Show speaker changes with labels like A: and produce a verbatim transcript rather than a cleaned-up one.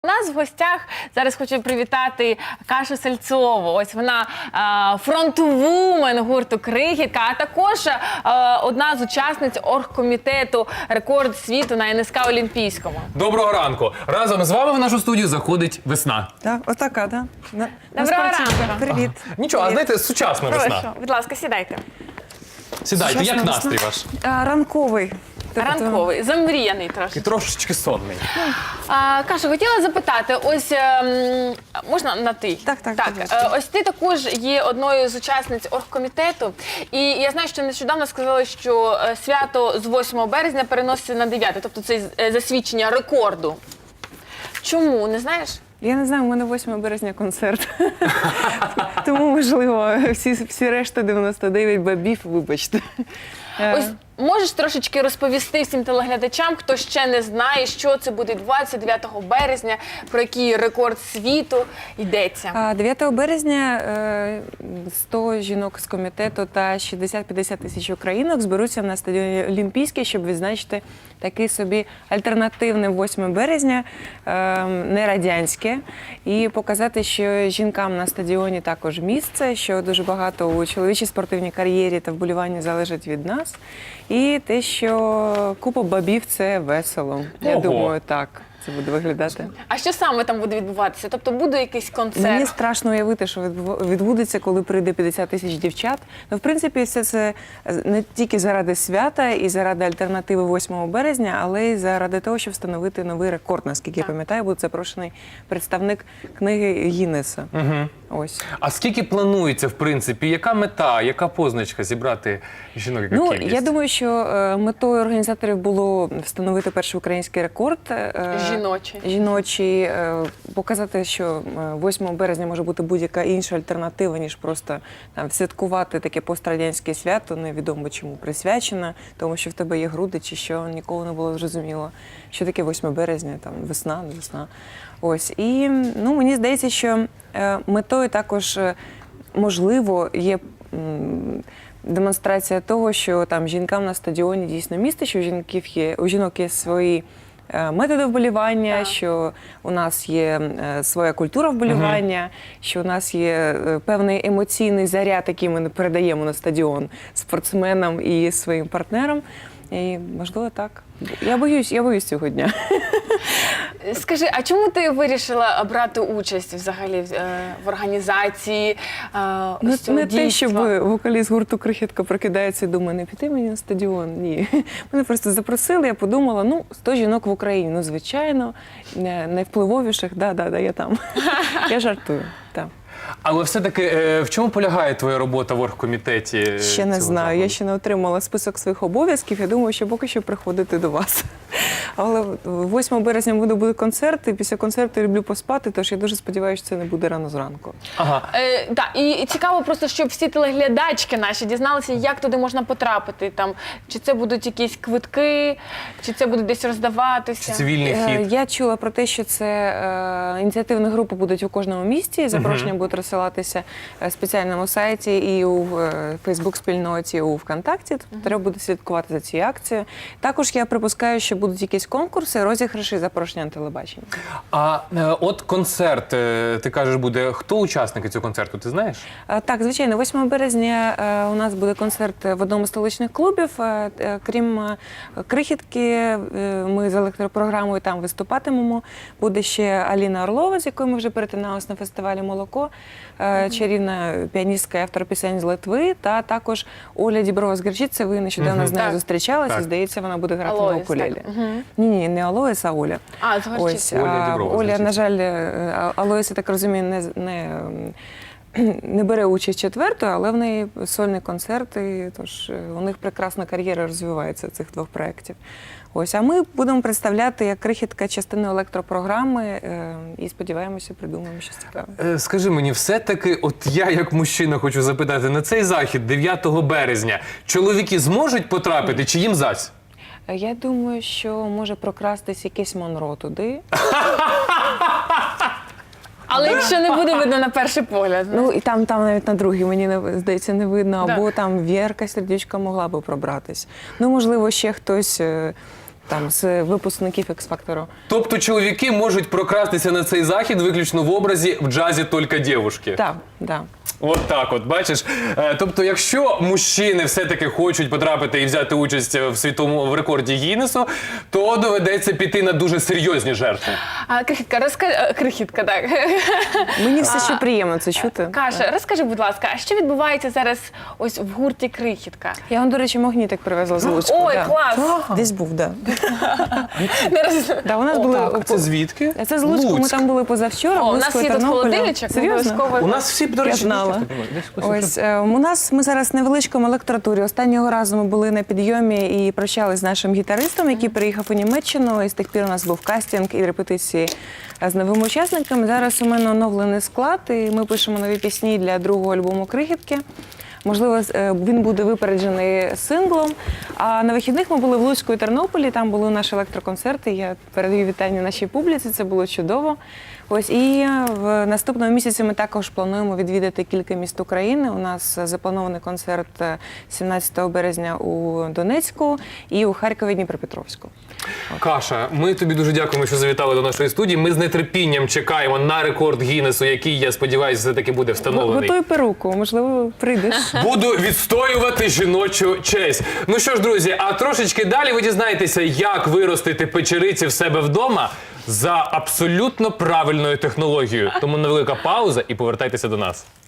A: У нас в гостях зараз хочу привітати Кашу Сальцову. Ось вона фронтвумен гурту «Крихітка», а також а, одна з учасниць оргкомітету «Рекорд світу» на ен ес ка Олімпійському.
B: Доброго ранку! Разом з вами в нашу студію заходить весна.
C: Так, отака, так. Да.
A: Доброго ранку!
C: Привіт.
B: Ага. Нічого, а знаєте, сучасна
A: Прошу,
B: весна.
A: будь ласка, сідайте.
B: Сідайте,
C: Сучасна
B: як
C: весна.
B: настрій ваш?
C: А, ранковий. Тобто,
A: Ранковий, замріяний трошки.
B: І трошечки сонний.
A: А, Каша, хотіла запитати, ось, ем, можна на ти?
C: Так, так,
A: так.
C: будь ласка.
A: е, Ось ти також є одною з учасниць оргкомітету, і я знаю, що нещодавно сказали, що е, свято з восьмого березня переноситься на дев'яте, тобто це е, засвідчення рекорду. Чому, не знаєш?
C: Я не знаю, у мене восьмого березня концерт. Тому, можливо, всі, всі решта дев'яносто дев'ять бабів, вибачте.
A: Ось можеш трошечки розповісти всім телеглядачам, хто ще не знає, що це буде двадцять дев'ятого березня, про який рекорд світу йдеться?
C: А дев'ятого березня е, сто жінок з комітету та шістдесят-п'ятдесят тисяч українок зберуться на стадіоні Олімпійський, щоб відзначити такий собі альтернативне восьме березня, е, не радянське, і показати, що жінкам на стадіоні також місце, що дуже багато у чоловічій спортивній кар'єрі та вболіванні залежить від нас. І те, що купа бабів – це весело. Я
B: Ого.
C: думаю, так це буде виглядати.
A: А що саме там буде відбуватися? Тобто буде якийсь концерт?
C: Мені страшно уявити, що відбу- відбудеться, коли прийде п'ятдесят тисяч дівчат. Ну, в принципі, все це не тільки заради свята і заради альтернативи восьмого березня, але й заради того, щоб встановити новий рекорд. Наскільки я
A: Так.
C: пам'ятаю, буде запрошений представник книги Гіннеса.
B: Угу.
C: Ось.
B: А скільки планується, в принципі, яка мета, яка позначка зібрати жінок, яка
C: Ну,
B: кількість?
C: я думаю, що е, метою організаторів було встановити перший український рекорд. е,
A: Жіночий.
C: Жіночий, е, показати, що е, восьмого березня може бути будь-яка інша альтернатива, ніж просто там святкувати таке пострадянське свято, невідомо чому присвячене, тому що в тебе є груди чи що, ніколи не було зрозуміло, що таке восьме березня, там весна, не весна. Ось. І ну, мені здається, що е, метою також, е, можливо, є м, демонстрація того, що там жінкам на стадіоні дійсно місце, що у жінків є, у жінок є свої е, методи вболівання,
A: Так.
C: що у нас є е, своя культура вболівання, що у нас є е, певний емоційний заряд, який ми передаємо на стадіон спортсменам і своїм партнерам. І, можливо, так. Я боюсь, я боюсь цього дня.
A: Скажи, а чому ти вирішила брати участь взагалі в, е, в організації е,
C: Ну,
A: ось цього
C: не те, щоб
A: дійства?
C: вокаліст гурту «Крихітка» прокидається і думає, не піти мені на стадіон. Ні. Мене просто запросили, я подумала, ну, сто жінок в Україні, ну, звичайно, не- найвпливовіших, да-да-да, я там. Я жартую, так.
B: Але все-таки е, в чому полягає твоя робота в оргкомітеті? е,
C: Ще не
B: цього
C: знаю,
B: заходу?
C: я ще не отримала список своїх обов'язків, я думаю, що поки що приходити до вас. Але восьмого березня буде, буде концерт, і після концерту я люблю поспати, тож я дуже сподіваюся, що це не буде рано зранку.
B: Ага.
A: Е, да, і, і цікаво просто, щоб всі телеглядачки наші дізналися, як туди можна потрапити. Там, чи це будуть якісь квитки, чи це буде десь роздаватися.
B: Чи цивільний
C: Е,
B: хід?
C: Я чула про те, що це е, ініціативні групи будуть у кожному місті, запрошення будуть розсилатися в спеціальному сайті і у е, Фейсбук-спільноті, і у ВКонтакті. Тобто треба буде слідкувати за цією акцією. Також я припускаю, що будуть якісь конкурси, розіграші, запрошення на телебачення.
B: А е, от концерт, е, ти кажеш, буде. Хто учасники цього концерту, ти знаєш?
C: Е, Так, звичайно, восьмого березня е, у нас буде концерт в одному з столичних клубів. Е, е, Крім е, «Крихітки», е, ми з електропрограмою там виступатимемо. Буде ще Аліна Орлова, з якою ми вже перетиналися на фестивалі «Молоко», е, чарівна піаністка і автор пісень з Литви, та також Оля Діброва з Гірчиці. Ви нещодавно
B: Мгм.
C: з нею
A: Так.
C: зустрічалися,
B: Так.
C: і, здається, вона буде грати
A: Алоїс,
C: на укулелі.
A: так. Мгм.
C: Ні, ні, не Алоїс, а Оля.
A: А, з Горчиці.
C: Ось,
B: Оля
C: а,
B: Діброва з
C: Оля,
B: Гірчиці.
C: на жаль, е, Алоїс, я так розумію, не, не, ем, не бере участь четвертою, але в неї сольний концерт, і тож е, у них прекрасна кар'єра розвивається цих двох проєктів. Ось, а ми будемо представляти як «Крихітка» частину електропрограми е, і сподіваємося, придумаємо щось цікаве.
B: Е, Скажи мені, все-таки, от я як мужчина хочу запитати, на цей захід дев'ятого березня чоловіки зможуть потрапити чи їм зась?
C: Е, Я думаю, що може прокрастись якийсь Монро туди.
A: Але якщо не буде видно на перший погляд.
C: Ну і там, там навіть на другий, мені не здається, не видно,
A: Да.
C: або там Вєрка Сердючка могла би пробратись. Ну, можливо, ще хтось. е, там з випускників X-Factor.
B: Тобто чоловіки можуть прокрастися на цей захід виключно в образі «в джазі тільки дівушки».
C: Так, да.
B: От так от, бачиш. Е, Тобто, якщо мужчини все-таки хочуть потрапити і взяти участь в світовому в рекорді Гіннесу, то доведеться піти на дуже серйозні жертви.
A: А, Крихітка, розкажи, крихітка, так.
C: Мені все ще приємно це чути.
A: Каша, розкажи, будь ласка, а що відбувається зараз ось в гурті Крихітка?
C: Я вам, до речі, магнітик привезла з Луцьку.
A: Ой,
C: да.
A: клас!
C: Десь був, да.
A: Не роз-
C: Да, у нас були
B: А це звідки?
C: Це з Луцьку, ми
B: Луцьк.
C: там були позавчора.
A: О, у
C: Луцьку
A: нас
C: і
A: є тут
C: Тернополя.
A: холодильничок,
C: Серйозно?
A: обов'язково.
B: У нас всі, до речі,
C: Я знала.
B: десь ось-
C: Ось е, у нас ми зараз на невеличкому електротурі. Останнього разу ми були на підйомі і прощались з нашим гітаристом, який приїхав у Німеччину. І з тих пір у нас був кастинг і репетиції з новими учасниками. Зараз у мене оновлений склад, і ми пишемо нові пісні для другого альбому Крихітки. Можливо, з- е, він буде випереджений синглом. А на вихідних ми були в Луцьку і Тернополі. Там були наші електроконцерти. Я передаю вітання нашій публіці. Це було чудово. Ось і в наступному місяці ми також плануємо відвідати кілька міст України. У нас запланований концерт сімнадцятого березня у Донецьку і у Харкові, Дніпропетровську.
B: Каша, ми тобі дуже дякуємо, що завітали до нашої студії. Ми з нетерпінням чекаємо на рекорд Гіннесу, який, я сподіваюся, все-таки буде встановлений.
C: Готуй перуку, можливо, прийдеш.
B: Буду відстоювати жіночу честь. Ну що ж, друзі, а трошечки далі ви дізнаєтеся, як виростити печериці в себе вдома за абсолютно правильною технологією. Тому невелика пауза і повертайтеся до нас.